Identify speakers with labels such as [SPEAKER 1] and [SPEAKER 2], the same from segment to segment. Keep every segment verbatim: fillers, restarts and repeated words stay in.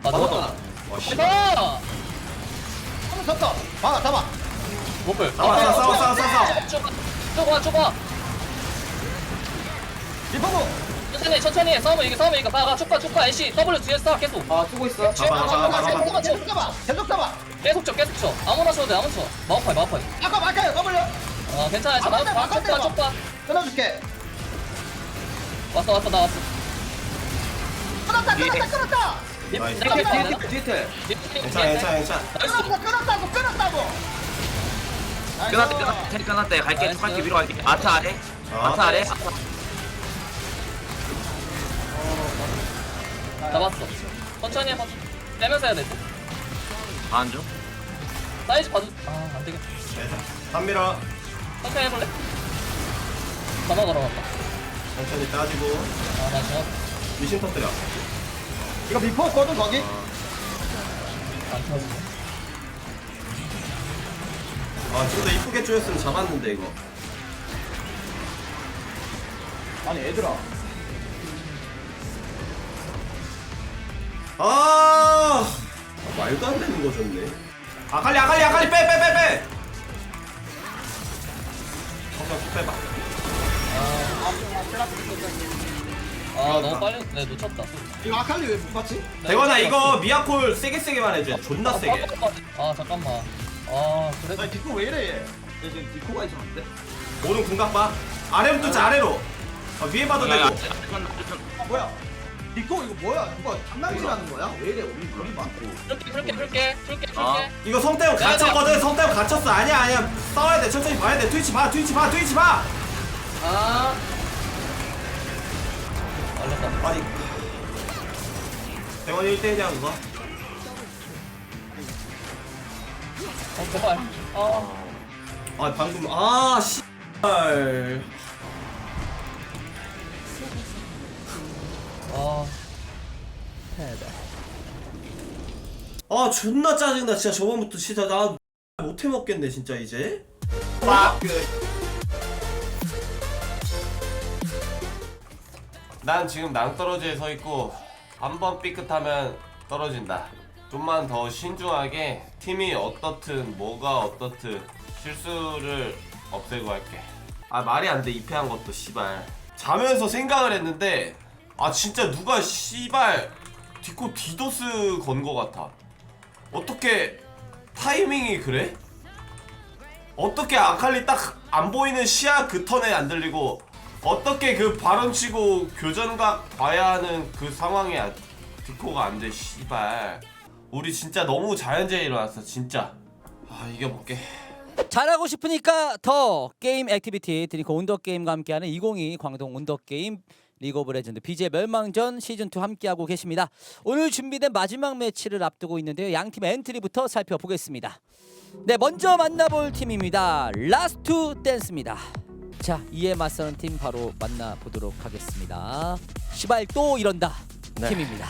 [SPEAKER 1] 아
[SPEAKER 2] 잡았다.
[SPEAKER 1] 너무
[SPEAKER 2] 와 씨.
[SPEAKER 1] 대박.
[SPEAKER 3] 한번 섰다. 막아 잡아.
[SPEAKER 1] 못볼.
[SPEAKER 2] 싸워, 싸워, 싸워, 싸워, 싸워.
[SPEAKER 1] 쪼가 쪼가.
[SPEAKER 3] 리퍼브.
[SPEAKER 1] 천천히 천천히 해. 싸우면 이게 싸우면 이거 막아. 축파 축파 애쉬 W 뒤에 쏴 계속.
[SPEAKER 4] 아 쓰고 있어.
[SPEAKER 2] 잡아, 잡아, 잡아, 잡아.
[SPEAKER 3] 계속 잡아. 계속 잡아.
[SPEAKER 1] 계속 쳐 계속 쳐. 아무나 쳐도 돼 아무나 쳐. 마우파이 마우파이.
[SPEAKER 3] 아까 막아요. W.
[SPEAKER 1] 어 괜찮아. 자
[SPEAKER 3] 바꿔,
[SPEAKER 1] 나와
[SPEAKER 3] 바꿔,
[SPEAKER 1] 축파
[SPEAKER 3] 바꿔.
[SPEAKER 1] 축파.
[SPEAKER 3] 끊어줄게.
[SPEAKER 1] 왔어 왔어 나 왔어.
[SPEAKER 3] 끊었다. 끊었다. 끊었다.
[SPEAKER 2] 나이스.
[SPEAKER 1] 내가
[SPEAKER 4] 뒤에
[SPEAKER 1] 괜찮아.
[SPEAKER 4] 뒤에 뒤에 뒤에.
[SPEAKER 2] 괜찮아, 괜찮아, 괜찮아.
[SPEAKER 3] 끊었다. 끊었다고. 끊었다고.
[SPEAKER 4] 끝났대 끝났대 끝났대. 갈게
[SPEAKER 1] 나이스.
[SPEAKER 4] 갈게 위로 갈게. 아트 아래.
[SPEAKER 2] 어.
[SPEAKER 4] 아트 아래.
[SPEAKER 1] 잡았어. 천천히 해봐. 빼면서 해야 돼.
[SPEAKER 4] 안 줘.
[SPEAKER 1] 사이즈 봐줘. 아 안되겠다.
[SPEAKER 2] 괜찮아. 한밀어.
[SPEAKER 1] 천천히 해볼래? 전화 걸어갔다.
[SPEAKER 2] 천천히 따지고.
[SPEAKER 1] 아나 저.
[SPEAKER 2] 미신 터뜨려.
[SPEAKER 3] 이거 리퍼거든 거기.
[SPEAKER 1] 안 터지.
[SPEAKER 2] 아, 좀 더 이쁘게 쪼였으면 잡았는데, 이거.
[SPEAKER 3] 아니 얘들아.
[SPEAKER 2] 아, 아, 말도 안 되는 거 줬네. 아칼리, 아칼리, 아칼리, 빼, 빼, 빼, 빼. 한번 쭉 빼봐.
[SPEAKER 1] 아 너무 빨리 내 놓쳤다.
[SPEAKER 3] 이거 아칼리 왜 못 봤지?
[SPEAKER 2] 대건아, 이거 미아콜 세게 세게만 해줘. 존나 세게.
[SPEAKER 1] 아 잠깐만. 아 그래도
[SPEAKER 3] 나 디코 왜 이래 얘? 얘 지금 디코가 있었는데.
[SPEAKER 2] 오른 궁각 봐. 아래로 뚫자, 아래로. 아, 위에 봐도 되고.
[SPEAKER 3] 아 뭐야? 디코 이거 뭐야? 누가 장난질하는 거야? 왜 이래? 우리 우리 많고.
[SPEAKER 1] 풀게 풀게 풀게 풀게
[SPEAKER 4] 아.
[SPEAKER 1] 풀게.
[SPEAKER 2] 이거 성태형
[SPEAKER 1] 야, 야.
[SPEAKER 2] 갇혔거든. 성태형 갇혔어. 아니야, 아니야. 싸워야 돼. 천천히 봐야 돼. 트위치 봐, 트위치 봐, 트위치 봐.
[SPEAKER 1] 아. 알렸다.
[SPEAKER 2] 아니. 대건이 일 대 일이야, 그거.
[SPEAKER 1] 어 제발. 아.
[SPEAKER 2] 아, 방금, 아, 씨.
[SPEAKER 1] 아.
[SPEAKER 2] 아, 존나 짜증나. 진짜 저번부터 진짜 나 못해 먹겠네, 진짜 이제. 빡. 난 지금 낭떠러지에 서 있고 한 번 삐끗하면 떨어진다. 좀만 더 신중하게 팀이 어떻든 뭐가 어떻든 실수를 없애고 할게. 아, 말이 안 돼. 이 패한 것도 씨발. 자면서 생각을 했는데 아, 진짜 누가 씨발 디코 디도스 건 거 같아. 어떻게 타이밍이 그래? 어떻게 아칼리 딱 안 보이는 시야 그 턴에 안 들리고 어떻게 그 발언 치고 교전각 봐야 하는 그 상황에 아- 디코가 안 돼, 씨발. 우리 진짜 너무 자연재해 일어났어, 진짜. 아, 이겨볼게.
[SPEAKER 5] 잘하고 싶으니까 더 게임 액티비티 드링크 온더게임과 함께하는 이천이십이 광동 온더게임 리그 오브 레전드 비제이 멸망전 시즌이 함께하고 계십니다. 오늘 준비된 마지막 매치를 앞두고 있는데요. 양팀의 엔트리부터 살펴보겠습니다. 네, 먼저 만나볼 팀입니다. 라스트 댄스입니다. 자, 이에 맞서는 팀 바로 만나보도록 하겠습니다. 시발 또 이런다
[SPEAKER 6] 네.
[SPEAKER 5] 팀입니다.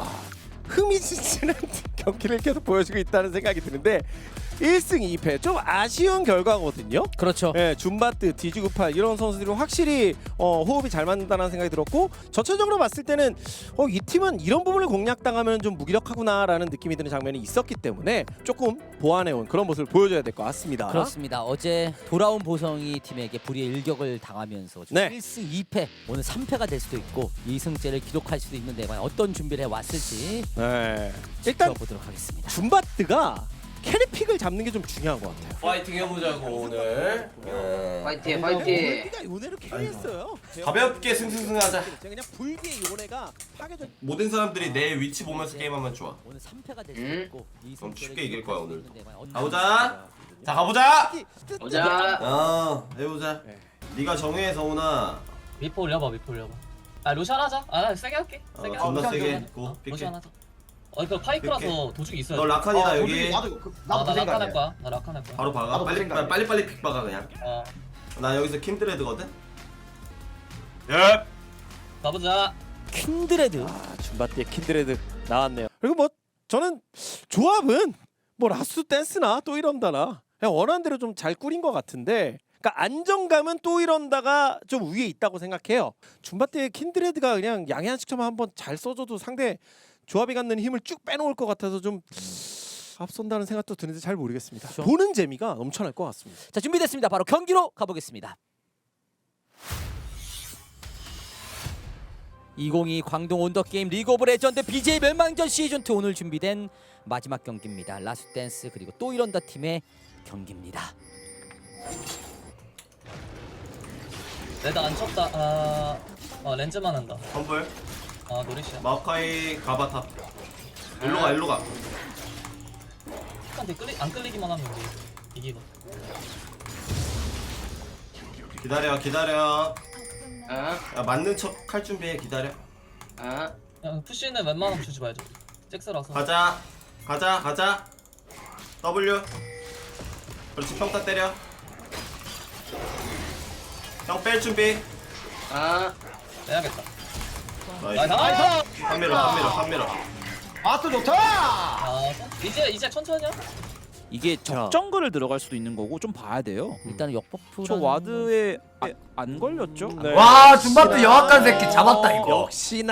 [SPEAKER 6] 흥미진진한 경기를 계속 보여주고 있다는 생각이 드는데 일 승 이 패 좀 아쉬운 결과거든요.
[SPEAKER 5] 그렇죠.
[SPEAKER 6] 예, 줌바트, 디지구팔 이런 선수들이 확실히 어, 호흡이 잘 맞는다는 생각이 들었고 전체적으로 봤을 때는 어, 이 팀은 이런 부분을 공략당하면 좀 무기력하구나라는 느낌이 드는 장면이 있었기 때문에 조금 보완해온 그런 모습을 보여줘야 될 것 같습니다.
[SPEAKER 5] 그렇습니다. 어제 돌아온 보성이 팀에게 불의의 일격을 당하면서
[SPEAKER 6] 네.
[SPEAKER 5] 일 승 이 패 오늘 삼 패가 될 수도 있고 이 승째를 기록할 수도 있는데 과연 어떤 준비를 해왔을지
[SPEAKER 6] 네. 일단
[SPEAKER 5] 지켜보도록 하겠습니다.
[SPEAKER 6] 줌바트가 캐리픽을 잡는 게 좀 중요한 것 같아요.
[SPEAKER 2] 파이팅 해보자고, 오늘. 네.
[SPEAKER 4] 파이팅
[SPEAKER 6] 오늘
[SPEAKER 4] 파이팅.
[SPEAKER 6] 우리가 요네를 캐리했어요.
[SPEAKER 2] 가볍게 승승승하자.
[SPEAKER 6] 그냥 불기의 요네가 파괴적.
[SPEAKER 2] 모든 사람들이 내 위치 보면서 게임하면 좋아.
[SPEAKER 5] 오늘 삼 패가 될 수도
[SPEAKER 4] 음.
[SPEAKER 5] 있고 이
[SPEAKER 2] 그럼
[SPEAKER 5] 승째를
[SPEAKER 2] 쉽게 이길 거야,
[SPEAKER 5] 기록할 수도
[SPEAKER 2] 오늘도.
[SPEAKER 5] 있는데 과연 어떤
[SPEAKER 2] 가보자. 자, 가보자.
[SPEAKER 4] 보자.
[SPEAKER 2] 어, 해보자.
[SPEAKER 6] 네.
[SPEAKER 2] 네가 정해, 서훈아.
[SPEAKER 1] 미포 올려봐 미포 올려봐. 아 로션 하자. 아 세게 할게.
[SPEAKER 2] 어,
[SPEAKER 1] 세게.
[SPEAKER 2] 존나
[SPEAKER 1] 로션
[SPEAKER 2] 세게
[SPEAKER 1] 하자.
[SPEAKER 2] 있고,
[SPEAKER 1] 어,
[SPEAKER 2] 픽해.
[SPEAKER 1] 로션 하자. 어 이거 파이크라서 도중이 있어야
[SPEAKER 2] 너
[SPEAKER 1] 돼.
[SPEAKER 2] 라칸이다,
[SPEAKER 3] 아,
[SPEAKER 2] 여기.
[SPEAKER 3] 우리- 나도 그-
[SPEAKER 1] 아,
[SPEAKER 3] 나도
[SPEAKER 1] 나
[SPEAKER 3] 그
[SPEAKER 1] 라칸 할
[SPEAKER 3] 생각이야.
[SPEAKER 1] 거야. 나 라칸 할 거야.
[SPEAKER 2] 바로 박아.
[SPEAKER 3] 나도 그
[SPEAKER 2] 빨리,
[SPEAKER 3] 생각이야.
[SPEAKER 2] 빨리, 빨리 픽 박아, 그냥.
[SPEAKER 1] 어
[SPEAKER 2] 나 여기서 킨드레드거든? 예.
[SPEAKER 1] 가보자.
[SPEAKER 5] 킨드레드
[SPEAKER 6] 아, 줌바트의 킨드레드 나왔네요. 그리고 뭐 저는 조합은 뭐 라스 댄스나 또 이런다나 그냥 원하는 대로 좀 잘 꾸린 것 같은데 그러니까 안정감은 또 이런다가 좀 위에 있다고 생각해요. 줌바 때 킨드레드가 그냥 양해한 식처만 한번 잘 써줘도 상대 조합이 갖는 힘을 쭉 빼놓을 것 같아서 좀 앞선다는 생각도 드는데 잘 모르겠습니다.
[SPEAKER 5] 그렇죠.
[SPEAKER 6] 보는 재미가 넘쳐날 것 같습니다.
[SPEAKER 5] 자, 준비됐습니다. 바로 경기로 가보겠습니다. 이천이십이 광동 온더게임 리그 오브 레전드 비제이 멸망전 시즌이 오늘 준비된 마지막 경기입니다. 라스트댄스 그리고 또 이런다 팀의 경기입니다.
[SPEAKER 1] 내가 안 쳤다. 아, 어, 렌즈만 한다.
[SPEAKER 2] 텀블
[SPEAKER 1] 아, 노리시야.
[SPEAKER 2] 마오카이 가바탑 일로 가 일로 가
[SPEAKER 1] 한테 끌리 안 끌리기만 하면 우리 이기고.
[SPEAKER 2] 기다려 기다려
[SPEAKER 4] 아,
[SPEAKER 2] 야 맞는 척 할 준비해 기다려
[SPEAKER 4] 아.
[SPEAKER 1] 그냥 푸시는 웬만하면 주지 말죠. 잭스라서.
[SPEAKER 2] 가자 가자 가자 W 그렇지 평타 때려 형 뺄 준비
[SPEAKER 4] 아.
[SPEAKER 1] 빼야겠다.
[SPEAKER 2] 나이스
[SPEAKER 1] 나이스.
[SPEAKER 2] 한밀어 한밀어 한밀어
[SPEAKER 3] 아또 좋다.
[SPEAKER 1] 아, 이제 이제 천천히야.
[SPEAKER 7] 이게 적정글을 들어갈 수도 있는 거고 좀 봐야 돼요.
[SPEAKER 5] 일단은 역버프.
[SPEAKER 7] 저 와드에 아, 안 걸렸죠?
[SPEAKER 6] 네.
[SPEAKER 8] 와 줌바트 영악한 새끼 잡았다 이거.
[SPEAKER 6] 역시나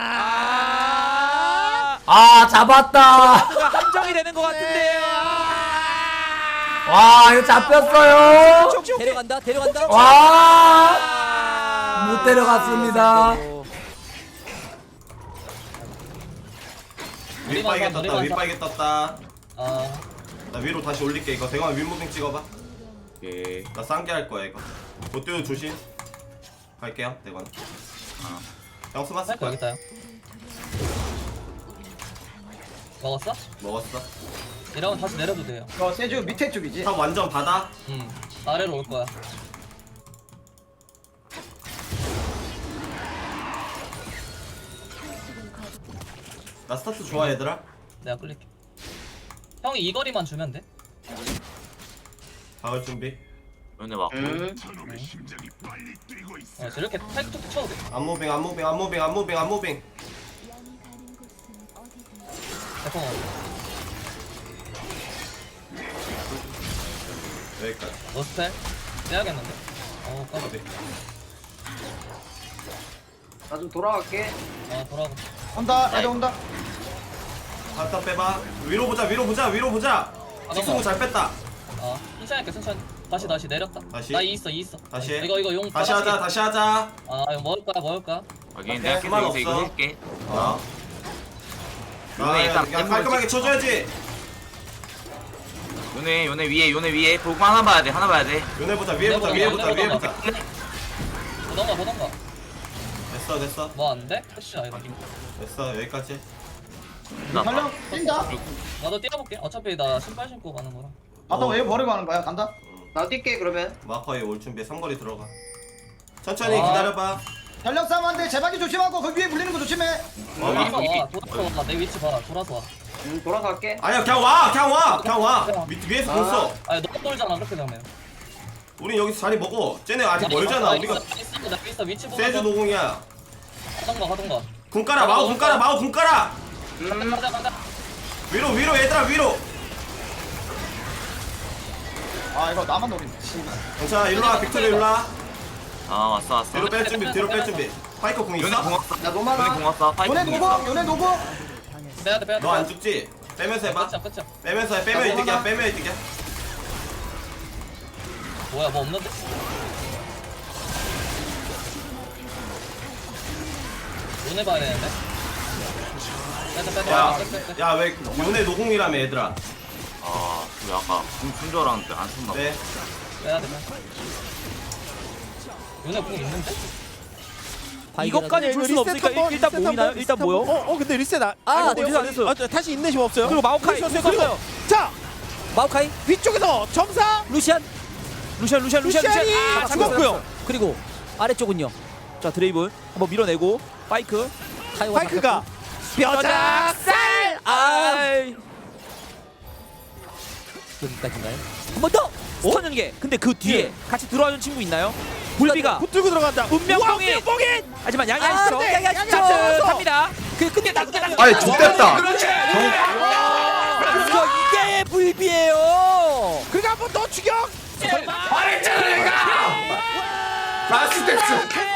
[SPEAKER 8] 아 잡았다.
[SPEAKER 7] 한정이 되는 것 같은데요.
[SPEAKER 8] 와 이거 잡혔어요.
[SPEAKER 5] 데려간다. 데려간다.
[SPEAKER 8] 와 못 데려갔습니다.
[SPEAKER 2] 윗바이게
[SPEAKER 1] 노리만
[SPEAKER 2] 떴다
[SPEAKER 1] 사,
[SPEAKER 2] 윗바이게 떴다
[SPEAKER 1] 아,
[SPEAKER 2] 나 위로 다시 올릴게 이거 대광 윗무빙 찍어봐
[SPEAKER 4] 오케이.
[SPEAKER 2] 나 쌍게 할 거야 이거 못 뛰어 조심 갈게요 대광
[SPEAKER 4] 아.
[SPEAKER 2] 형 스마스
[SPEAKER 1] 할거 여기 있다. 형. 먹었어?
[SPEAKER 2] 먹었어
[SPEAKER 1] 이러면 다시 내려도 돼요.
[SPEAKER 3] 어 세주 밑에 쪽이지.
[SPEAKER 2] 탑 완전 바다
[SPEAKER 1] 음, 아래로 올 거야.
[SPEAKER 2] 나 스타트 좋아 얘들아
[SPEAKER 1] 내가 끌릴게. 형이 이 거리만 주면 돼.
[SPEAKER 2] 박을 준비
[SPEAKER 4] 연애 맞고.
[SPEAKER 1] 어, 저렇게 타이크 툭툭 쳐도 돼.
[SPEAKER 2] 안무빙 안무빙 안무빙 안무빙 안무빙
[SPEAKER 1] 대포 먹어.
[SPEAKER 2] 여기까지
[SPEAKER 1] 머스텔 빼야겠는데. 어, 까비.
[SPEAKER 4] 나 좀 돌아갈게.
[SPEAKER 1] 아, 돌아가.
[SPEAKER 3] 온다. 애들 온다.
[SPEAKER 2] 바텀 빼봐 위로 보자 위로 보자 위로 보자 직승우 잘 뺐다
[SPEAKER 1] 아, 천천히 할게, 천천히. 다시 다시 내렸다.
[SPEAKER 2] 다시?
[SPEAKER 1] 나 이 있어, 이 있어.
[SPEAKER 2] 다시 해.
[SPEAKER 1] 이거 이거 용.
[SPEAKER 2] 다시 하자
[SPEAKER 1] 받아치기.
[SPEAKER 2] 다시 하자
[SPEAKER 1] 아, 이거 먹을 거야, 먹을 거야.
[SPEAKER 4] 확인.
[SPEAKER 2] 오케이,
[SPEAKER 4] 내가
[SPEAKER 2] 그만
[SPEAKER 4] 계속 이거
[SPEAKER 2] 없어.
[SPEAKER 4] 해줄게.
[SPEAKER 2] 어?
[SPEAKER 4] 요네
[SPEAKER 2] 아,
[SPEAKER 4] 일단
[SPEAKER 2] 야, 야, 깔끔하게 쳐줘야지
[SPEAKER 4] 요네 요네 위에 요네 위에 보고 하나 봐야 돼. 하나 봐야 돼.
[SPEAKER 2] 요네 보자 위에 보자 위에 보자 위에 보자
[SPEAKER 1] 보던가, 보던가.
[SPEAKER 2] 됐어 됐어
[SPEAKER 1] 뭐 안 돼? 푸시 아니다.
[SPEAKER 2] 됐어 여기까지
[SPEAKER 3] 달려 뛴다.
[SPEAKER 1] 나도 뛰어볼게. 어차피 나 신발 신고 가는 거라.
[SPEAKER 3] 아또
[SPEAKER 2] 어.
[SPEAKER 3] 왜 버리고 하는 거야? 간다.
[SPEAKER 4] 나 뛸게 그러면.
[SPEAKER 2] 마커에 올 준비해 삼거리 들어가 천천히
[SPEAKER 1] 아.
[SPEAKER 2] 기다려봐
[SPEAKER 3] 달력 싸움한데 제박이 조심하고 그 위에 물리는 거 조심해.
[SPEAKER 2] 어,
[SPEAKER 1] 돌아서
[SPEAKER 4] 이-
[SPEAKER 1] 와, 돌아서 와. 내 위치 봐, 돌아서 와.
[SPEAKER 4] 응 돌아갈게.
[SPEAKER 2] 아니야 그냥 와 그냥 와 그냥 와 밑, 위에서 공 써.
[SPEAKER 1] 아니, 너무 돌잖아, 그렇게 되면.
[SPEAKER 2] 우린 여기서 자리 먹어 쟤네 아직 멀잖아 우리가
[SPEAKER 1] 있어, 있어, 나 있어. 위치 보고.
[SPEAKER 2] 세주 노공이야
[SPEAKER 1] 하던가, 하던가.
[SPEAKER 2] 궁 깔아 마우 궁 깔아 마우 궁 깔아
[SPEAKER 1] 가자, 가자.
[SPEAKER 2] 위로 위로 얘들아 위로
[SPEAKER 3] 아 이거 나만 노린다.
[SPEAKER 2] 괜찮아 일로와 빅토리 일로와
[SPEAKER 4] 아 왔어 왔어.
[SPEAKER 2] 뒤로 뺄 준비 뒤로 뺄 준비 파이커 궁
[SPEAKER 4] 요네
[SPEAKER 2] 있어?
[SPEAKER 4] 공왔어. 나 노마나. 요네 공왔어. 파이프
[SPEAKER 3] 요네
[SPEAKER 4] 공
[SPEAKER 3] 노고
[SPEAKER 4] 있어.
[SPEAKER 3] 요네 노고.
[SPEAKER 1] 빼야 돼, 빼야 돼.
[SPEAKER 2] 너 안 죽지? 빼면서 해봐
[SPEAKER 1] 끝이야, 끝이야.
[SPEAKER 2] 빼면서 해 빼면 이득이야 빼면 이득이야
[SPEAKER 1] 뭐야, 뭐 없는데? 눈에 봐야 되는데? 빼자, 빼자, 빼자, 빼자.
[SPEAKER 2] 야야왜 요네 노공이라며 얘들아
[SPEAKER 4] 아, 그 아까 궁쓴 줄 알았는데 안 썼나 봐.
[SPEAKER 2] 네
[SPEAKER 1] 빼야 돼, 빼야 돼. 눈에 공 있는데?
[SPEAKER 7] 이것까지 줄 수는 없으니까 일- 일단 모이나요? 일단 모여.
[SPEAKER 6] 어, 어 근데 리셋 아,
[SPEAKER 5] 아,
[SPEAKER 6] 아니,
[SPEAKER 5] 네,
[SPEAKER 6] 근데
[SPEAKER 7] 안 했어요.
[SPEAKER 6] 아, 다시 인내심 없어요.
[SPEAKER 7] 그리고 마오카이
[SPEAKER 6] 그리고
[SPEAKER 7] 됐어요.
[SPEAKER 6] 자
[SPEAKER 5] 마오카이,
[SPEAKER 6] 위쪽에서 점사
[SPEAKER 5] 루시안,
[SPEAKER 7] 루시안 루시안 루시안
[SPEAKER 6] 루시안이
[SPEAKER 7] 루시안. 아,
[SPEAKER 6] 죽었고요.
[SPEAKER 5] 그리고 아래쪽은요.
[SPEAKER 7] 자 드레이븐 한번 밀어내고 파이크.
[SPEAKER 5] 타이와
[SPEAKER 6] 파이크가 뼈작살.
[SPEAKER 7] 아이.
[SPEAKER 5] 여기까지인가요? 한 번 더.
[SPEAKER 7] 스턴 연계. 근데 그 뒤에 같이 들어와준 친구 있나요? 불비가
[SPEAKER 6] 붙들고 들어간다.
[SPEAKER 7] 운명봉인.
[SPEAKER 6] 뽕인.
[SPEAKER 7] 하지만
[SPEAKER 5] 아,
[SPEAKER 7] 양양시죠.
[SPEAKER 5] 네, 양양시죠.
[SPEAKER 7] 따뜻합니다.
[SPEAKER 5] 그 근데 나 근데 나
[SPEAKER 8] 아이 좋댔다.
[SPEAKER 5] 이거 이게 불비예요.
[SPEAKER 6] 그가 한번 더 추격.
[SPEAKER 2] 말했잖아 내가. 라스텍스.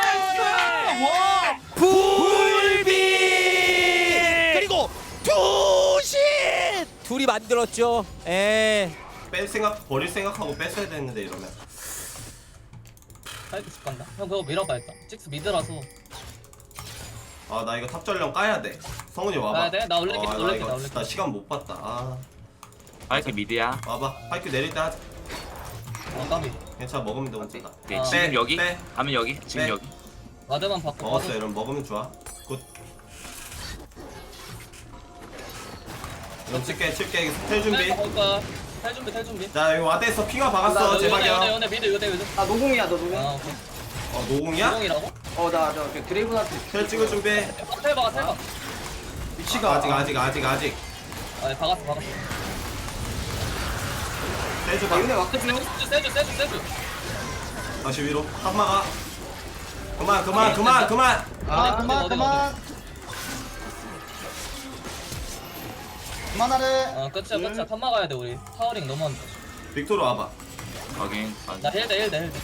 [SPEAKER 6] 불비 그리고 투신 둘이 만들었죠. 에
[SPEAKER 2] 뺄 생각 버릴 생각하고 뺐어야 됐는데 이러면.
[SPEAKER 1] 파이크 집 간다. 형 그거 밀어봐 일단. 찍스 미드라서.
[SPEAKER 2] 아 나 이거 탑 전령 까야 돼. 성훈이 와봐.
[SPEAKER 1] 까야 돼? 나 올릴게,
[SPEAKER 2] 어, 나
[SPEAKER 1] 올릴게,
[SPEAKER 2] 이거
[SPEAKER 1] 나 올릴게.
[SPEAKER 2] 나 시간 못 봤다. 아
[SPEAKER 4] 파이크 미드야.
[SPEAKER 2] 와봐. 파이크 내릴 때 하자.
[SPEAKER 1] 어 까비.
[SPEAKER 2] 괜찮아 먹으면 돼 혼자다.
[SPEAKER 4] 오케이,
[SPEAKER 1] 아.
[SPEAKER 4] 지금
[SPEAKER 2] 빼,
[SPEAKER 4] 여기.
[SPEAKER 2] 빼.
[SPEAKER 4] 가면 여기. 지금
[SPEAKER 2] 빼.
[SPEAKER 4] 여기.
[SPEAKER 1] 와드만 바꿔.
[SPEAKER 2] 먹었어 이러면 먹으면 좋아. 굿. 이런 칠게 칠게 텔 준비.
[SPEAKER 1] 볼까? 탈 준비 탈 준비.
[SPEAKER 2] 자 여기 와드에서 핑화 박았어
[SPEAKER 1] 연애 연애
[SPEAKER 2] 제박이야.
[SPEAKER 1] 연애 미드 요대 요대.
[SPEAKER 3] 아 노공이야 너 노공.
[SPEAKER 1] 아 오케이.
[SPEAKER 2] 어 노공이야?
[SPEAKER 1] 공이라고?
[SPEAKER 3] 어나저 드레이븐한테
[SPEAKER 2] 텔 찍을 준비.
[SPEAKER 1] 탈 박아 탈 박아.
[SPEAKER 3] 위치가
[SPEAKER 2] 아직 아직 아직 아직.
[SPEAKER 1] 아 박았어 박았어.
[SPEAKER 2] 텔
[SPEAKER 3] 아
[SPEAKER 2] 줘봐.
[SPEAKER 3] 얘네 와크 중.
[SPEAKER 1] 세주 세주 세주 세주.
[SPEAKER 2] 다시 위로. 탑 막아. 그만 그만 그만 그만.
[SPEAKER 3] 아
[SPEAKER 1] 어디,
[SPEAKER 3] 그만
[SPEAKER 1] 어디,
[SPEAKER 3] 그만. 그만하래.
[SPEAKER 1] 어 끝이야 끝이야. 탑 막아야 돼 우리. 타워링 너무 안 돼.
[SPEAKER 2] 빅토르 와봐.
[SPEAKER 4] 확인. 확인.
[SPEAKER 1] 나 헬대 헬대 헬대.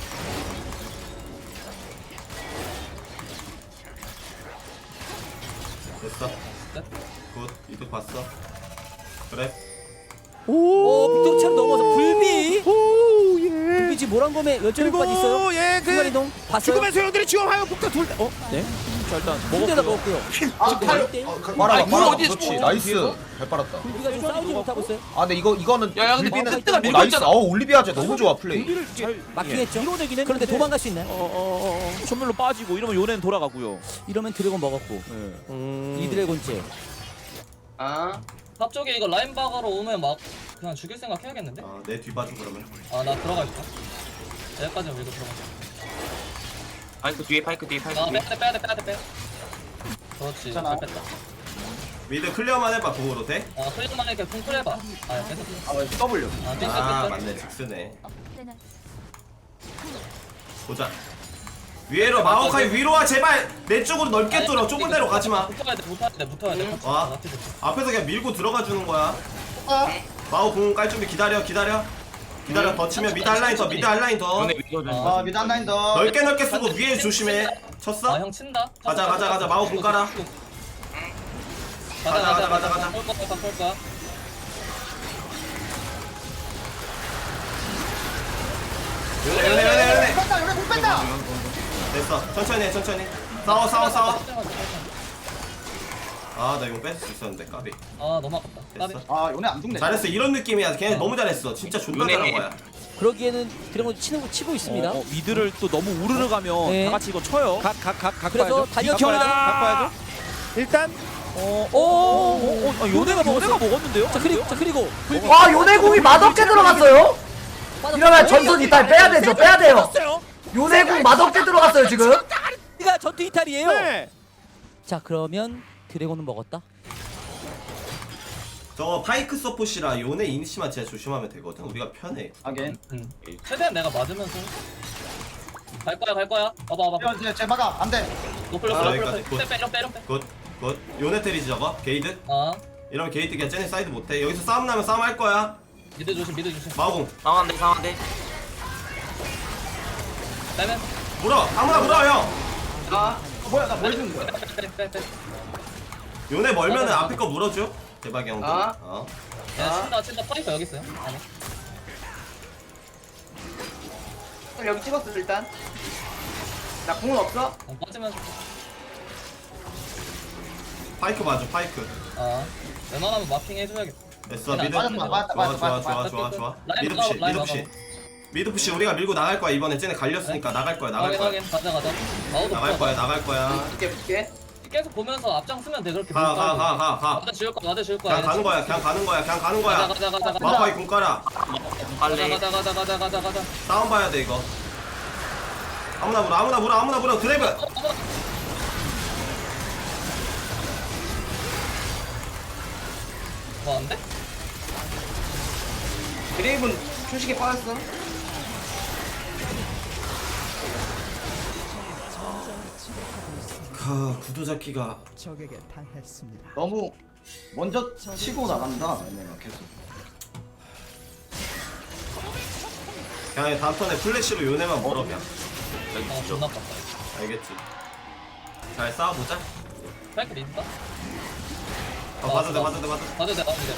[SPEAKER 2] 됐어. 굿. 이득 봤어. 그래.
[SPEAKER 5] 오 빅토르처럼 넘어서 불비.
[SPEAKER 6] 오 예.
[SPEAKER 5] 불비 지금 모란검에 열정까지 있어요.
[SPEAKER 6] 그리고 예
[SPEAKER 5] 순간
[SPEAKER 6] 그
[SPEAKER 5] 이동 봤어요.
[SPEAKER 6] 죽음의 소용들이 지원하여 북타 둘. 어? 네.
[SPEAKER 7] 자 일단
[SPEAKER 5] 군대다 먹었고요.
[SPEAKER 3] 아 탈.
[SPEAKER 9] 말아봐
[SPEAKER 7] 아니,
[SPEAKER 9] 말아봐
[SPEAKER 7] 어디
[SPEAKER 9] 그렇지
[SPEAKER 7] 있어?
[SPEAKER 9] 나이스 잘 빨았다.
[SPEAKER 5] 불비가 지금 싸우지 못하고 있어요.
[SPEAKER 9] 아 근데 이거 이거는
[SPEAKER 7] 야, 야, 근데
[SPEAKER 9] 올리비는
[SPEAKER 7] 늑대가
[SPEAKER 9] 어,
[SPEAKER 7] 밀고
[SPEAKER 9] 나이스
[SPEAKER 7] 있잖아.
[SPEAKER 9] 어 올리비아제 너무 좋아 플레이.
[SPEAKER 7] 불비를 잘
[SPEAKER 5] 막히겠죠.
[SPEAKER 7] 밀어내긴 했는데.
[SPEAKER 5] 그런데 도망갈 수 있나요?
[SPEAKER 7] 어어어 전멸로 빠지고 이러면 요네는 돌아가고요.
[SPEAKER 5] 이러면 드래곤 먹었고
[SPEAKER 6] 음.
[SPEAKER 5] 이 드래곤째.
[SPEAKER 3] 아
[SPEAKER 1] 탑 쪽에 이거 라인 박으러 오면 막 그냥 죽일 생각 해야겠는데?
[SPEAKER 2] 아, 내 뒤봐줘 그러면.
[SPEAKER 1] 아 나 들어가 있다. 여기까지 밀고 들어가.
[SPEAKER 4] 파이크 뒤에 파이크 뒤에 파이크
[SPEAKER 1] 아
[SPEAKER 4] 뒤에.
[SPEAKER 1] 빼야 돼 빼야 돼 빼야 돼 빼. 그렇지
[SPEAKER 3] 괜찮아.
[SPEAKER 1] 잘 뺐다.
[SPEAKER 2] 미드 클리어만 해봐 공으로 돼?
[SPEAKER 1] 아 클릭만 이렇게 쿵쿨 해봐. 아 계속.
[SPEAKER 3] 아 W.
[SPEAKER 1] 아 띵
[SPEAKER 2] 아
[SPEAKER 1] 띵
[SPEAKER 2] 맞네 직스네. 보자. 위로 마오카이 위로 와 제발 내 쪽으로 넓게 뚫어. 좁은 데로 가지 마.
[SPEAKER 1] 붙어야 돼 붙어야 돼 붙어야 돼. 같이.
[SPEAKER 2] 와.
[SPEAKER 1] 같이 붙어.
[SPEAKER 2] 앞에서 그냥 밀고 들어가 주는 거야. 마오 공 깔 준비 기다려 기다려. 기다려 더 치면 미드 한라인 더 미드 한라인 더.
[SPEAKER 4] 요네 위로 좀.
[SPEAKER 3] 아 미드 한라인 더.
[SPEAKER 2] 넓게 넓게 쓰고 위에 조심해. 쳤어?
[SPEAKER 1] 아형 친다.
[SPEAKER 2] 가자, 가자, 가자. 마법 공 깔아.
[SPEAKER 1] 가자 가자 가자
[SPEAKER 2] 가자.
[SPEAKER 1] 볼 거야 볼 거야.
[SPEAKER 2] 연애 연애 연애 연애.
[SPEAKER 3] 뺐다 요네 공 뺐다.
[SPEAKER 2] 됐어 천천히 해 천천히. 싸워 싸워 싸워. 아 나 이거 뺄 수 있었는데 까비.
[SPEAKER 1] 아 너무 아깝다. 까비.
[SPEAKER 2] 됐어.
[SPEAKER 3] 아 요네 안 죽네.
[SPEAKER 2] 잘했어 이런 느낌이야. 걔네 너무 잘했어. 진짜 존나
[SPEAKER 4] 요네.
[SPEAKER 2] 잘한 거야.
[SPEAKER 5] 그러기에는 드래곤 치는 거 치고 있습니다.
[SPEAKER 7] 어, 어, 미드를 또 너무 우르르 가면
[SPEAKER 5] 네.
[SPEAKER 7] 다 같이 이거 쳐요.
[SPEAKER 6] 각각각
[SPEAKER 5] 그래서 달려줘야
[SPEAKER 6] 바꿔야죠. 일단
[SPEAKER 7] 어,
[SPEAKER 5] 오,
[SPEAKER 7] 어, 어, 어, 아, 요네가
[SPEAKER 5] 먹었어요.
[SPEAKER 7] 요네가 먹었는데요?
[SPEAKER 5] 자 그리고 자 그리고
[SPEAKER 8] 와 요네공이 맛없게 들어갔어요. 이러면 전선 이탈 빼야 되죠. 빼야 돼요. 요네공 맛없게 들어갔어요 지금.
[SPEAKER 5] 우리가 전투 이탈이에요.
[SPEAKER 6] 네.
[SPEAKER 5] 자 그러면 드래곤은 먹었다.
[SPEAKER 2] 저거 파이크 서폿이라 요네 이니시만 진짜 조심하면 되거든. 우리가 편해.
[SPEAKER 3] 아겐.
[SPEAKER 1] 응. 최대한 내가 맞으면서. 갈 거야 갈 거야. 봐봐 봐봐.
[SPEAKER 3] 야, 제 막아 안 돼.
[SPEAKER 1] 노플
[SPEAKER 2] 아,
[SPEAKER 1] 노플
[SPEAKER 2] 여기까지.
[SPEAKER 1] 노플. 빼 빼, 빼 빼.
[SPEAKER 2] 굿. 굿. 요네 테리지 저거. 게이드.
[SPEAKER 1] 아
[SPEAKER 2] 이러면 게이드 그냥 쟤네 사이드 못해. 여기서 싸움 나면 싸움 할 거야.
[SPEAKER 1] 미드 조심 미드 조심.
[SPEAKER 2] 마오공.
[SPEAKER 4] 상한데 상한데.
[SPEAKER 1] 빼면.
[SPEAKER 2] 물어. 아무나 물어 형.
[SPEAKER 3] 아 뭐야 나 뭘 주는 거야?
[SPEAKER 1] 빼 빼 빼.
[SPEAKER 2] 요네 멀면은
[SPEAKER 1] 맞아, 맞아.
[SPEAKER 2] 앞에 거 물어줘. 대박이 형들.
[SPEAKER 3] 아.
[SPEAKER 2] 어.
[SPEAKER 1] 야 친다 친다 파이터 여기 있어요. 안에.
[SPEAKER 3] 그럼 여기 찍었어 일단. 나 공은 없어.
[SPEAKER 1] 어, 빠지면서.
[SPEAKER 2] 파이크 봐줘. 파이크.
[SPEAKER 1] 아 웬만하면 마킹 해줘야겠다.
[SPEAKER 2] 됐어.
[SPEAKER 1] 그냥
[SPEAKER 2] 미드.
[SPEAKER 3] 맞았어,
[SPEAKER 2] 좋아
[SPEAKER 3] 맞았어,
[SPEAKER 2] 좋아
[SPEAKER 3] 맞았어,
[SPEAKER 2] 좋아
[SPEAKER 3] 맞았어,
[SPEAKER 2] 좋아
[SPEAKER 1] 맞았어.
[SPEAKER 2] 좋아 좋아.
[SPEAKER 1] 라인
[SPEAKER 2] 미드
[SPEAKER 1] 막아,
[SPEAKER 2] 푸시.
[SPEAKER 1] 라인
[SPEAKER 2] 미드
[SPEAKER 1] 막아.
[SPEAKER 2] 푸시. 미드 푸시 우리가 밀고 나갈 거야. 이번에 쟤네 갈렸으니까 나갈 거야. 나갈
[SPEAKER 1] 확인
[SPEAKER 2] 거야.
[SPEAKER 1] 확인 가자 가자. 마오도
[SPEAKER 2] 나갈 거야. 나갈 거야.
[SPEAKER 3] 붙게 붙게.
[SPEAKER 1] 계속 보면서 앞장 쓰면 돼 그렇게.
[SPEAKER 2] 가 가 가 가 가.
[SPEAKER 1] 와드 지울 거야 와드 지울 거야.
[SPEAKER 2] 그냥 가는 거야. 그냥 가는 거야. 그냥 가는
[SPEAKER 1] 가자
[SPEAKER 2] 거야.
[SPEAKER 1] 가자 가자 가자.
[SPEAKER 2] 마파이 공 깔아.
[SPEAKER 1] 가자
[SPEAKER 4] 빨리.
[SPEAKER 1] 가자 가자 가자 가자 가자.
[SPEAKER 2] 싸움 봐야 돼 이거. 아무나 물어. 아무나 물어. 아무나 물어. 드라이브.
[SPEAKER 1] 뭐 안 돼?
[SPEAKER 3] 드레이븐 초식에 빠졌어.
[SPEAKER 2] 가 구도 잡기가.
[SPEAKER 3] 너무 먼저 치고 나간다. 얘네가 계속.
[SPEAKER 2] 그냥 다음 턴에 플래시로 요네만 물어 그냥.
[SPEAKER 1] 어 존나 깝다.
[SPEAKER 2] 알겠지. 잘 싸워보자.
[SPEAKER 1] 파이크 믿을까?
[SPEAKER 2] 어, 봐도 돼, 봐도 돼, 봐도 돼.
[SPEAKER 1] 봐도 돼, 봐도 돼.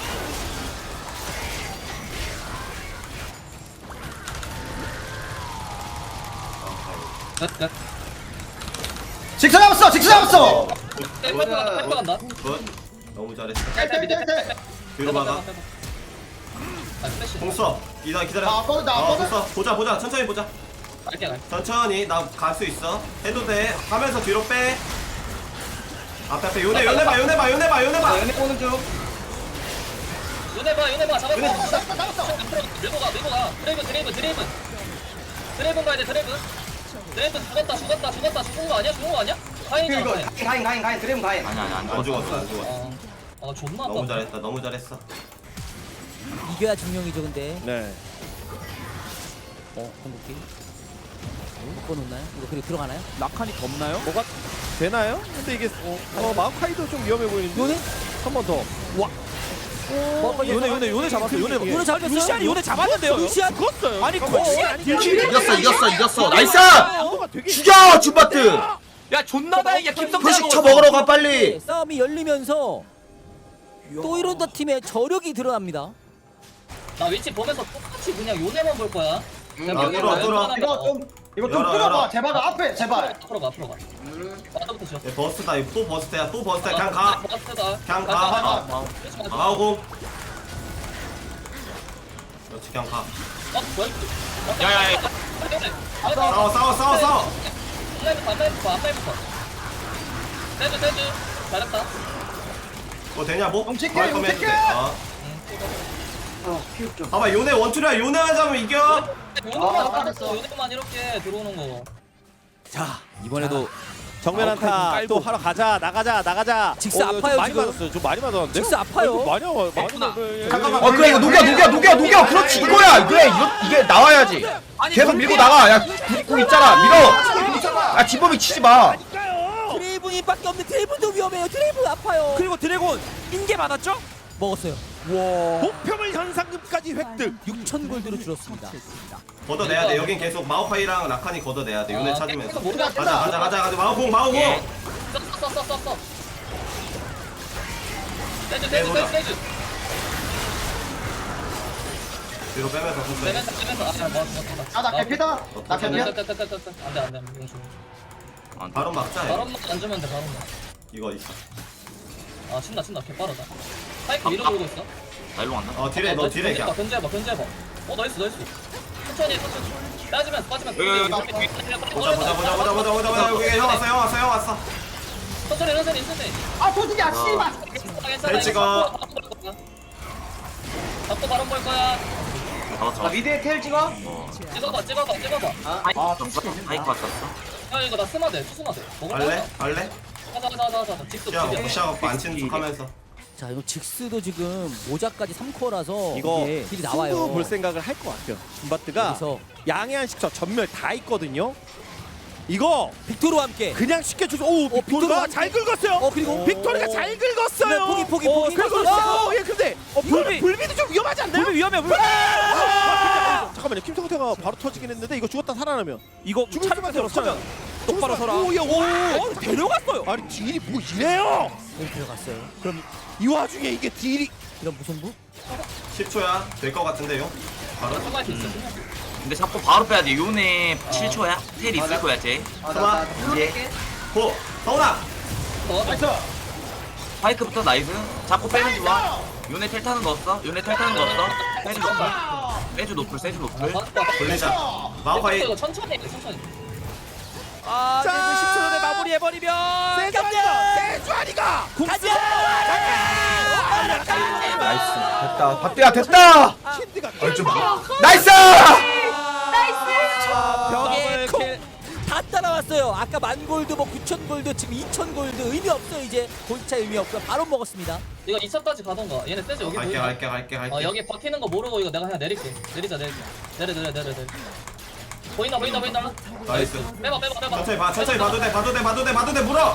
[SPEAKER 1] 끝, 끝.
[SPEAKER 9] 직스 잡았어 직스 잡았어.
[SPEAKER 1] 파이크 간다, 파이크 간다.
[SPEAKER 2] 굿. 너무 잘했어.
[SPEAKER 1] 깔깔 밑에, 깔깔.
[SPEAKER 2] 뒤로
[SPEAKER 1] 빼봐,
[SPEAKER 2] 막아.
[SPEAKER 1] 빼봐, 빼봐. 아, 플래시.
[SPEAKER 2] 공 써. 기다려, 기다려.
[SPEAKER 3] 나 아빠도, 나
[SPEAKER 2] 어,
[SPEAKER 3] 아빠도.
[SPEAKER 2] 공 써. 보자, 보자. 천천히 보자.
[SPEAKER 1] 갈게, 갈게.
[SPEAKER 2] 천천히. 나 갈 수 있어. 해도 돼. 하면서 뒤로 빼. 앞에, 앞에. 요네, 요네 봐, 요네 봐, 요네 봐, 요네 봐.
[SPEAKER 3] 얘네 보는 중.
[SPEAKER 1] 요네 봐, 요네 봐. 잡았어.
[SPEAKER 2] 요네.
[SPEAKER 3] 잡았어 잡았어.
[SPEAKER 1] 밀고 가, 밀고 가. 드레이븐, 드레이븐, 드레이븐. 드레이븐 가야 돼, 드레이븐. 드레이븐 죽었다, 죽었다, 죽었다. 죽은 거 아니야? 죽은 거 아니야? 가인이잖아,
[SPEAKER 3] 이거
[SPEAKER 1] 가인.
[SPEAKER 3] 가인 가인 가인 드래곤 가인.
[SPEAKER 4] 아니 아니 안
[SPEAKER 2] 안
[SPEAKER 4] 죽었어.
[SPEAKER 2] 죽었어, 안 죽었어.
[SPEAKER 1] 어, 아, 존나
[SPEAKER 2] 너무
[SPEAKER 1] 아깝다.
[SPEAKER 2] 잘했다, 너무 잘했어.
[SPEAKER 5] 이겨야 증명이죠 근데.
[SPEAKER 6] 네.
[SPEAKER 5] 어 궁극기. 묶어놓나요? 이거 그리고 들어가나요?
[SPEAKER 7] 라칸이 덥나요?
[SPEAKER 6] 뭐가 되나요? 근데 이게 어, 어 마오카이도 좀 위험해 보이는데.
[SPEAKER 5] 요네?
[SPEAKER 6] 한 번 더. 와.
[SPEAKER 7] 요네 요네 요네 잡았어. 요네
[SPEAKER 5] 요네 잡았어요?
[SPEAKER 7] 루시안이 요네 잡았는데요.
[SPEAKER 5] 루시안
[SPEAKER 6] 죽었어요.
[SPEAKER 7] 아니 루시안이
[SPEAKER 9] 이겼어 이겼어 이겼어. 나이스.
[SPEAKER 6] 뭐가 되게
[SPEAKER 9] 죽여 줌바트.
[SPEAKER 7] 야 존나 다행이야 김성태.
[SPEAKER 9] 표식 쳐 먹으러 가 빨리.
[SPEAKER 5] 싸움이 열리면서 또 이런다 팀의 저력이 드러납니다.
[SPEAKER 1] 나 위치 보면서 똑같이 그냥 요네만 볼 거야.
[SPEAKER 2] 아, 뚫어, 뚫어.
[SPEAKER 3] 이거 좀 이거 좀
[SPEAKER 2] 열어,
[SPEAKER 3] 끌어봐.
[SPEAKER 2] 열어.
[SPEAKER 3] 제발 앞에 제발.
[SPEAKER 1] 앞으로 가, 앞으로 가. 와서부터 지어.
[SPEAKER 2] 얘 버스다, 이거 또 버스야, 또 버스야. 그냥 가.
[SPEAKER 1] 버스다.
[SPEAKER 2] 그냥 가.
[SPEAKER 1] 가.
[SPEAKER 2] 가고. 그렇지, 그냥 가.
[SPEAKER 1] 어, 뭐야? 이거?
[SPEAKER 4] 야야야.
[SPEAKER 2] 싸워, 싸워, 싸워, 싸워.
[SPEAKER 1] 앞라인부터, 앞라인부터, 앞라인부터. 세주, 세주. 잘했다.
[SPEAKER 2] 뭐 되냐, 뭐?
[SPEAKER 3] 용 칠게,
[SPEAKER 2] 거할
[SPEAKER 3] 용
[SPEAKER 2] 거면 해도
[SPEAKER 3] 칠게.
[SPEAKER 2] 돼. 어. 봐봐, 요네 원툴이야. 요네 하자면 이겨.
[SPEAKER 1] 요네만
[SPEAKER 3] 아,
[SPEAKER 1] 알았어. 요네만 이렇게 들어오는 거.
[SPEAKER 6] 자
[SPEAKER 7] 이번에도
[SPEAKER 6] 정면
[SPEAKER 7] 마오카이
[SPEAKER 6] 한타
[SPEAKER 7] 깔고.
[SPEAKER 6] 또 하러 가자 나가자 나가자.
[SPEAKER 5] 직스
[SPEAKER 6] 어, 좀
[SPEAKER 5] 아파요,
[SPEAKER 6] 많이
[SPEAKER 5] 지금.
[SPEAKER 6] 맞았어요. 좀 많이 맞았는데.
[SPEAKER 5] 직스 아파요.
[SPEAKER 6] 어, 이거 많이 와 많이
[SPEAKER 4] 됐구나.
[SPEAKER 6] 와-
[SPEAKER 3] 잠깐만.
[SPEAKER 9] 어 그래 이거 녹여 녹여 녹여 녹여. 그렇지 이거야. 그래 이거 이게 나와야지. 계속 밀고 나가. 야 고 있잖아. 밀어. 아 진범이 치지 마.
[SPEAKER 5] 드레이븐이밖에 없는데 드레이븐도 위험해요. 드레이븐 아파요.
[SPEAKER 7] 그리고 드래곤 인계 받았죠?
[SPEAKER 5] 먹었어요.
[SPEAKER 6] 목표물 현상금까지 획득.
[SPEAKER 5] 육천 골드로 줄었습니다.
[SPEAKER 2] 걷어내야 돼. 여긴 계속 마오카이랑 라칸이 걷어내야 돼. 요네
[SPEAKER 1] 아,
[SPEAKER 2] 찾으면서.
[SPEAKER 1] 깨끗하게 모르겠다.
[SPEAKER 2] 가자, 가자, 가자, 가자. 마오공, 마오공.
[SPEAKER 4] 예.
[SPEAKER 1] 써, 써, 써, 써, 써. 세주,
[SPEAKER 2] 네,
[SPEAKER 1] 세주,
[SPEAKER 2] 뭐야.
[SPEAKER 1] 세주, 세주.
[SPEAKER 2] 뒤로 빼면서 손 빼.
[SPEAKER 1] 빼면서, 빼면서. 아, 뭐, 뭐, 뭐.
[SPEAKER 3] 아나 개피다. 나 개피야.
[SPEAKER 1] 안 돼, 안 돼, 안 돼, 안 돼. 용수.
[SPEAKER 2] 바로 막자. 얘.
[SPEAKER 1] 바람만 안 주면 돼, 바람만.
[SPEAKER 2] 이거 있어.
[SPEAKER 1] 아, 신나, 신나. 개 빠르다. 파이크 위로 돌고 있어.
[SPEAKER 4] 나 일로 간다.
[SPEAKER 2] 어, 딜해, 너 딜해, 그냥.
[SPEAKER 1] 견제해봐, 견제해봐. 어, 나이스, 나이스. 천천히, 해, 천천히. 빠지면서, 빠지면서.
[SPEAKER 4] 여기, 여기,
[SPEAKER 1] 여기,
[SPEAKER 4] 여기.
[SPEAKER 1] 여기.
[SPEAKER 2] 보자, 보자, 보자, 보자, 보자, 보자, 보자. 여기 형 왔어, 형 왔어, 형 왔어.
[SPEAKER 1] 천천히, 천천히, 천천히.
[SPEAKER 3] 아 도둑이야 씨발.
[SPEAKER 1] 괜찮아, 괜찮아.
[SPEAKER 2] 잘 찍어.
[SPEAKER 1] 잡고 바람 볼 거야.
[SPEAKER 4] 잡았어.
[SPEAKER 3] 나 미드에 텔 찍어.
[SPEAKER 4] 어.
[SPEAKER 1] 찍어봐, 찍어봐, 찍어봐.
[SPEAKER 4] 하이크
[SPEAKER 3] 아,
[SPEAKER 4] 왔어. 하이크 왔었어.
[SPEAKER 1] 야, 이거 나 스마드, 투스마드. 먹을 거야?
[SPEAKER 2] 갈래? 갈래?
[SPEAKER 1] 가자, 가자, 가자, 가자. 직접,
[SPEAKER 2] 시야가
[SPEAKER 1] 직접.
[SPEAKER 2] 무시하고 안 치는 척 하면서.
[SPEAKER 5] 자 이거 직스도 지금 모자까지 삼 코어라서
[SPEAKER 6] 이거
[SPEAKER 5] 이게 딜이 나와요.
[SPEAKER 6] 승부 볼 생각을 할 것 같아요. 줌바트가
[SPEAKER 5] 여기서
[SPEAKER 6] 양해한 식처 전멸 다 있거든요. 이거
[SPEAKER 5] 빅토르와 함께.
[SPEAKER 6] 그냥 쉽게 주서 오
[SPEAKER 5] 빅토르가
[SPEAKER 6] 빅토르가 잘 긁었어요.
[SPEAKER 5] 어 그리고
[SPEAKER 6] 빅토르가 잘 긁었어요.
[SPEAKER 5] 네, 포기, 포기,
[SPEAKER 6] 어,
[SPEAKER 5] 포기.
[SPEAKER 6] 긁었어. 예 근데 어, 불비
[SPEAKER 7] 불비.
[SPEAKER 6] 불비도 좀 위험하지 않나요?
[SPEAKER 7] 불비 위험해. 불비.
[SPEAKER 6] 아! 잠깐만요. 김성태가 바로 터지긴 했는데 이거 죽었다 살아나면
[SPEAKER 7] 이거
[SPEAKER 6] 죽을
[SPEAKER 7] 차례만
[SPEAKER 6] 수밖에 없어요.
[SPEAKER 7] 서면 똑바로 서라.
[SPEAKER 6] 오야 오.
[SPEAKER 7] 어, 데려갔어요.
[SPEAKER 6] 아니 딜이 뭐 이래요?
[SPEAKER 5] 여기 들어갔어요.
[SPEAKER 6] 그럼 이 와중에 이게 딜이
[SPEAKER 5] 이런 무선부?
[SPEAKER 2] 십 초야. 될 것 같은데요? 바로?
[SPEAKER 1] 스마트 있어.
[SPEAKER 4] 근데 자꾸 바로 빼야 돼. 요네 칠 초야. 텔 있을 거야, 쟤.
[SPEAKER 2] 스마.
[SPEAKER 4] 이제
[SPEAKER 2] 고! 서훈아!
[SPEAKER 1] 어, 나이스.
[SPEAKER 4] 파이크부터 나이스. 자꾸 빼는 좋아. 요네 텔 타는 거 없어? 요네 텔 타는 거 없어? 세주 노플. 세주 노플, 세주 노플.
[SPEAKER 2] 돌리자. 마오카이.
[SPEAKER 1] 이거 천천히 해, 천천히.
[SPEAKER 7] 아,
[SPEAKER 6] 자.
[SPEAKER 7] 그래도 십 초 전에 마무리해버리면
[SPEAKER 6] 세주아니가 세주아니가
[SPEAKER 9] 나이스 됐다. 밥대야 됐다.
[SPEAKER 6] 킨드가
[SPEAKER 9] 얼좀 나이스.
[SPEAKER 5] 벽에
[SPEAKER 7] 더블 킬.
[SPEAKER 5] 다 따라왔어요. 아까 만 골드 뭐 구천 골드 지금 이천 골드 의미 없어요. 이제 골차 의미 없어요. 바로 먹었습니다.
[SPEAKER 1] 이거 이 차까지 가던가. 얘네 세지 여기
[SPEAKER 2] 갈게,
[SPEAKER 1] 보이나?
[SPEAKER 2] 갈게, 갈게, 갈게.
[SPEAKER 1] 어, 여기 버티는 거 모르고 이거 내가 그냥 내릴게. 내리자, 내리자. 내려, 내려, 내려, 내려. 보인다, 보인다, 보인다.
[SPEAKER 2] 나이스.
[SPEAKER 1] 빼봐, 빼봐, 빼봐.
[SPEAKER 2] 천천히 봐, 천천히 봐도 돼, 봐도 돼, 봐도 돼, 봐도 돼, 물어!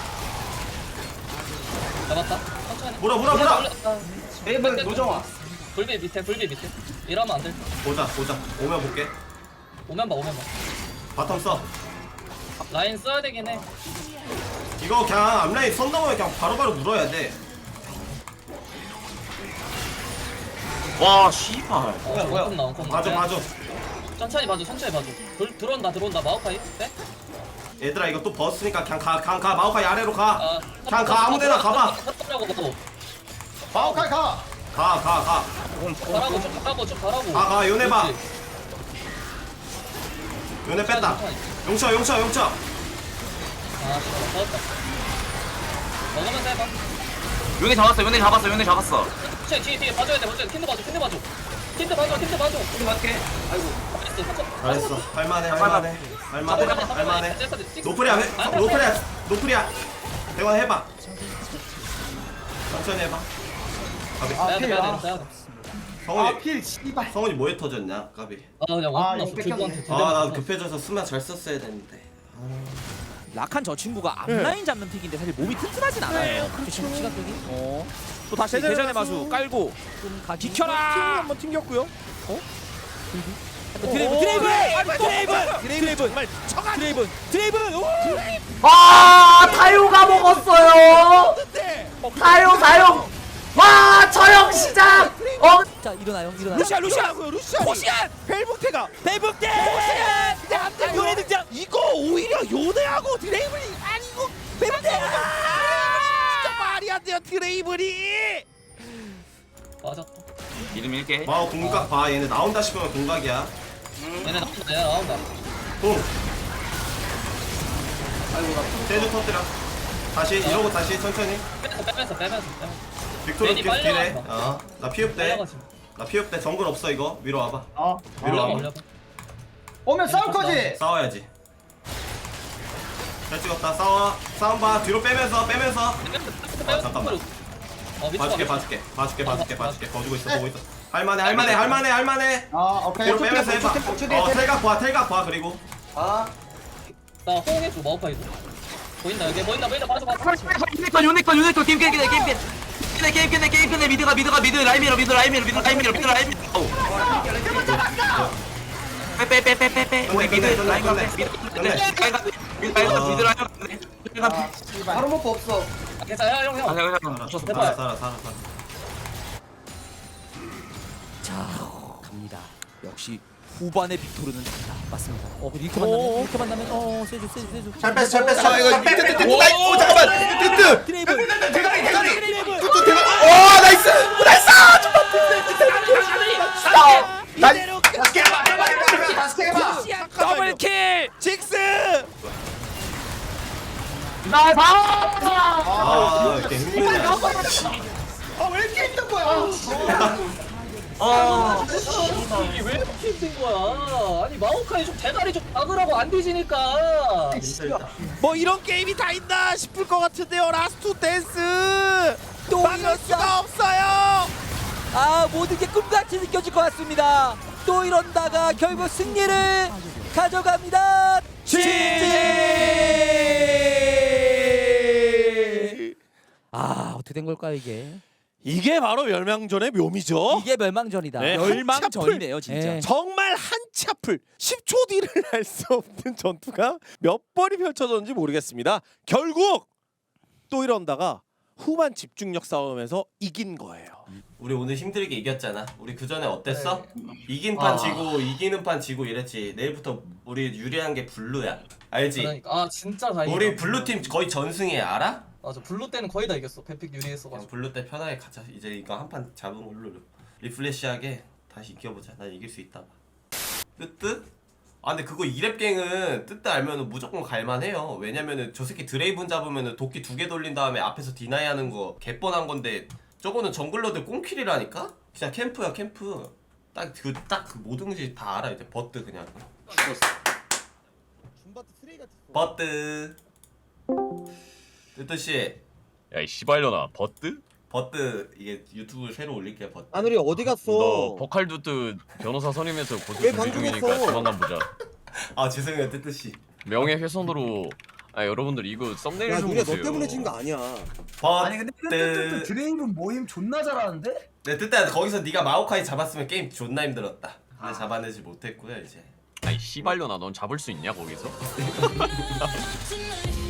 [SPEAKER 1] 잡았다. 천천히.
[SPEAKER 2] 물어, 물어, 물어!
[SPEAKER 3] 레이븐 노정아.
[SPEAKER 1] 불비 밑에 불비 밑에 이러면 안될
[SPEAKER 2] 보자 보자 오면 볼게.
[SPEAKER 1] 오면 봐 오면 봐
[SPEAKER 2] 바텀 써.
[SPEAKER 1] 라인 써야 되긴 해
[SPEAKER 2] 이거 그냥 앞라인 선 넘으면 그냥 바로바로 물어야 돼.
[SPEAKER 4] 와 씨발.
[SPEAKER 1] 어, 뭐야 원콤 나온 콤
[SPEAKER 2] 봐줘 봐줘.
[SPEAKER 1] 천천히 봐줘 천천히 봐줘 들, 들어온다 들어온다 마오카이 네?
[SPEAKER 2] 얘들아 이거 또 버스니까 그냥 가 그냥 가 마오카이 아래로 가.
[SPEAKER 1] 아,
[SPEAKER 2] 그냥 가 아무데나 가봐.
[SPEAKER 1] 가라고
[SPEAKER 3] 마오카이 가.
[SPEAKER 2] 가 가 가.
[SPEAKER 1] 가라고 쭉 가라고 쭉 가라고
[SPEAKER 2] 가, 가, 요네 봐.
[SPEAKER 1] 그렇지.
[SPEAKER 2] 요네 뺐다.
[SPEAKER 1] 천천히.
[SPEAKER 2] 용쳐 용쳐 용쳐.
[SPEAKER 1] 아 씨발 먹었다 먹으면서 해봐
[SPEAKER 4] 요네 잡았어 요네 잡았어 요네 잡았어.
[SPEAKER 1] 뒤에 뒤에 뒤에 봐줘야 돼 봐줘야 돼 킨드 봐줘 킨드 봐줘 킨드 봐줘 킨드 봐줘
[SPEAKER 4] 우리 맞게.
[SPEAKER 1] 아이고 잘했어
[SPEAKER 2] 잘했어. 할만해 할만해 할만해 할만해. 노프리야 회- 노프리야 노프리야. 대원 해봐. 천천히 해봐.
[SPEAKER 3] 아,
[SPEAKER 1] 빼야 돼
[SPEAKER 3] 필,
[SPEAKER 1] 빼야
[SPEAKER 3] 아.
[SPEAKER 1] 돼 빼야 돼
[SPEAKER 2] 성훈이
[SPEAKER 3] 아필 씨발.
[SPEAKER 2] 성훈이 뭐에 터졌냐 까비.
[SPEAKER 1] 아 그냥
[SPEAKER 3] 아,
[SPEAKER 1] 원콤
[SPEAKER 3] 이거
[SPEAKER 1] 났어
[SPEAKER 3] 뺏겼네.
[SPEAKER 1] 들고한테 두
[SPEAKER 2] 아 나
[SPEAKER 1] 대만
[SPEAKER 2] 급해져서 수면 잘 썼어야 되는데.
[SPEAKER 7] 락한 저 친구가 앞라인 잡는 픽인데 사실 몸이 튼튼하진 않아요.
[SPEAKER 5] 지금 시각적이. 어.
[SPEAKER 7] 또 다시
[SPEAKER 6] 대전의
[SPEAKER 7] 대전의
[SPEAKER 6] 마수.
[SPEAKER 7] 마수 깔고
[SPEAKER 5] 좀 가기.
[SPEAKER 7] 비켜라.
[SPEAKER 6] 한번 튕겼고요.
[SPEAKER 5] 드레이븐 드레이븐 드레이븐
[SPEAKER 6] 드레이븐 정말 청한
[SPEAKER 5] 드레이븐 드레이븐. 오!
[SPEAKER 8] 아 타요가 먹었어요. 타요 사용. 와 처형 시작. 어
[SPEAKER 5] 자 일어나요 일어나요.
[SPEAKER 6] 루시안 루시안 루시안
[SPEAKER 7] 포시안!
[SPEAKER 6] 벨붕태가
[SPEAKER 5] 대북대.
[SPEAKER 6] 근데 안돼 요네 등장. 이거 오히려 요네하고 드레이븐이 아니고 벨붕태. 진짜 말이 안 돼요 드레이븐이.
[SPEAKER 1] 맞았다
[SPEAKER 4] 이름 일게.
[SPEAKER 2] 마오 공각 봐. 얘네 나온다 싶으면 공각이야.
[SPEAKER 1] 얘네 나온다 얘네 나온다
[SPEAKER 2] 공. 세주 터뜨려. 다시 이러고 다시 천천히.
[SPEAKER 1] 빼면서 빼면서 빼면서 빼면서
[SPEAKER 2] 빅토르
[SPEAKER 1] 괜히
[SPEAKER 2] 계속 딜해.
[SPEAKER 1] 빨려가지 마.
[SPEAKER 2] 어나 피흡 돼.
[SPEAKER 1] 빨려가지고
[SPEAKER 2] 나 피흡 돼. 정글 없어 이거. 위로 와봐.
[SPEAKER 3] 어.
[SPEAKER 2] 위로
[SPEAKER 1] 올려봐
[SPEAKER 2] 와봐.
[SPEAKER 1] 올려봐
[SPEAKER 3] 오면 싸울 거지.
[SPEAKER 2] 싸워야지. 잘 찍었다. 싸워. 싸움 봐. 뒤로 빼면서 빼면서. 아, 잠깐만.
[SPEAKER 1] 어 밑으로
[SPEAKER 2] 봐줄게
[SPEAKER 1] 가.
[SPEAKER 2] 봐줄게 봐줄게 봐줄게 봐줄게. 봐주고 있어 보고 있어. 할만해 할만해 할만해 할만해.
[SPEAKER 3] 아 오케이.
[SPEAKER 2] 뒤로 빼면서 해봐. 어 텔각 봐 텔각 봐 그리고.
[SPEAKER 3] 아.
[SPEAKER 1] 나 호응해줘 마오카이도 보인다 여기 보인다 보인다 봐줘 봐줘
[SPEAKER 4] 요네컷 요네컷 요네컷 게임 끝내 게임 끝내. 끝내 게임 끝내 게임 끝내 미드가 미드가 미드 라인 밀어 미드 라인 밀어 미드 라인 밀어 미드 라인 밀어. 어우. 빼빼빼빼빼빼. 우리 미드 라인 가네. 미드 라인 가. 미드 라인 가. 미드 라인 가. 미드 라인 가.
[SPEAKER 3] 바로 먹고 없어.
[SPEAKER 1] 괜찮아 형형
[SPEAKER 4] 아
[SPEAKER 1] 형.
[SPEAKER 4] 잠깐 잠깐.
[SPEAKER 2] 살아
[SPEAKER 1] 해봐요.
[SPEAKER 2] 살아 살아 살아.
[SPEAKER 5] 자 갑니다. 역시 후반의 빅토르는 달라. 맞습니다. 어 이렇게 만나면 이렇게 만나면 어 세주 세주 세주.
[SPEAKER 9] 잘 뺐어 잘 뺐어. 아 이거 뜨뜨 뜨뜨 오 잠깐만 뜨뜨.
[SPEAKER 5] 드레이븐
[SPEAKER 9] 대가리 대가리.
[SPEAKER 5] 드레이븐.
[SPEAKER 9] 뜨뜨 대가리. 오 나이스 나이스. 나
[SPEAKER 5] 이대로
[SPEAKER 3] 다시 해봐. 해봐. 해봐. 다시 해봐.
[SPEAKER 7] 더블킬!
[SPEAKER 6] 직스.
[SPEAKER 2] 아 이렇게 힘드냐.
[SPEAKER 3] 아왜 이렇게 힘든 거야?
[SPEAKER 4] 어.
[SPEAKER 1] 이게 왜 이렇게 힘든 거야 아니 마오카이 좀 대가리 좀 박으라고 안 뒤지니까
[SPEAKER 6] 뭐 이런 게임이 다 있나 싶을 것 같은데요. 라스트 댄스.
[SPEAKER 5] 또
[SPEAKER 6] 막을
[SPEAKER 5] 이런
[SPEAKER 6] 수가 없어요.
[SPEAKER 5] 아 모든 게 꿈같이 느껴질 것 같습니다. 또 이런다가 결국 승리를 가져갑니다. 지. 아 어떻게 된 걸까요 이게?
[SPEAKER 6] 이게 바로 멸망전의 묘미죠.
[SPEAKER 5] 이게 멸망전이다.
[SPEAKER 6] 네.
[SPEAKER 7] 멸망전이네요 진짜.
[SPEAKER 5] 네.
[SPEAKER 6] 정말 한치 앞을 십 초 뒤를 알 수 없는 전투가 몇 번이 펼쳐졌는지 모르겠습니다. 결국 또 이런다가 후반 집중력 싸움에서 이긴 거예요.
[SPEAKER 2] 우리 오늘 힘들게 이겼잖아. 우리 그 전에 어땠어? 이긴 판 지고 이기는 판 지고 이랬지. 내일부터 우리 유리한 게 블루야. 알지?
[SPEAKER 1] 그러니까 아 진짜 다행이다
[SPEAKER 2] 우리 블루 팀 거의 전승이야. 알아?
[SPEAKER 1] 맞아 블루 때는 거의 다 이겼어 뱀픽
[SPEAKER 2] 그냥
[SPEAKER 1] 유리했어가지고
[SPEAKER 2] 블루 때 편하게 가자. 이제 이거 한 판 잡은 걸로 리플레시하게 다시 이겨보자. 난 이길 수 있다 봐. 뜨뜨? 아 근데 그거 이랩갱은 뜨뜨 알면은 무조건 갈만해요. 왜냐면은 저 새끼 드레이븐 잡으면은 도끼 두 개 돌린 다음에 앞에서 디나이 하는 거 개뻔한 건데 저거는 정글러들 꽁킬이라니까? 그냥 캠프야 캠프. 딱 그 딱 그 모든 게 다 알아. 이제 버트 그냥 버트 뜨뜨씨
[SPEAKER 10] 야 이 씨발려나 버트?
[SPEAKER 2] 버트 이게 유튜브 새로 올릴게요. 버트
[SPEAKER 3] 아누리 어디 갔어?
[SPEAKER 10] 너 버칼두트 변호사 선임해서 고소
[SPEAKER 3] 왜
[SPEAKER 10] 준비 중이니까
[SPEAKER 3] 방송했어?
[SPEAKER 10] 조만간 보자.
[SPEAKER 2] 아 죄송해요 뜨뜨씨.
[SPEAKER 10] 명예훼손으로 아 여러분들 이거 썸네일 좀 보세요.
[SPEAKER 3] 거 아니야.
[SPEAKER 2] 버트
[SPEAKER 3] 아니 근데 뜨뜨뜨 드레이븐 모임 존나 잘하는데?
[SPEAKER 2] 내 뜻대로 거기서 네가 마오카이 잡았으면 게임 존나 힘들었다. 근데 잡아내지 못했고요 이제.
[SPEAKER 10] 아이 씨발려나 넌 잡을 수 있냐 거기서?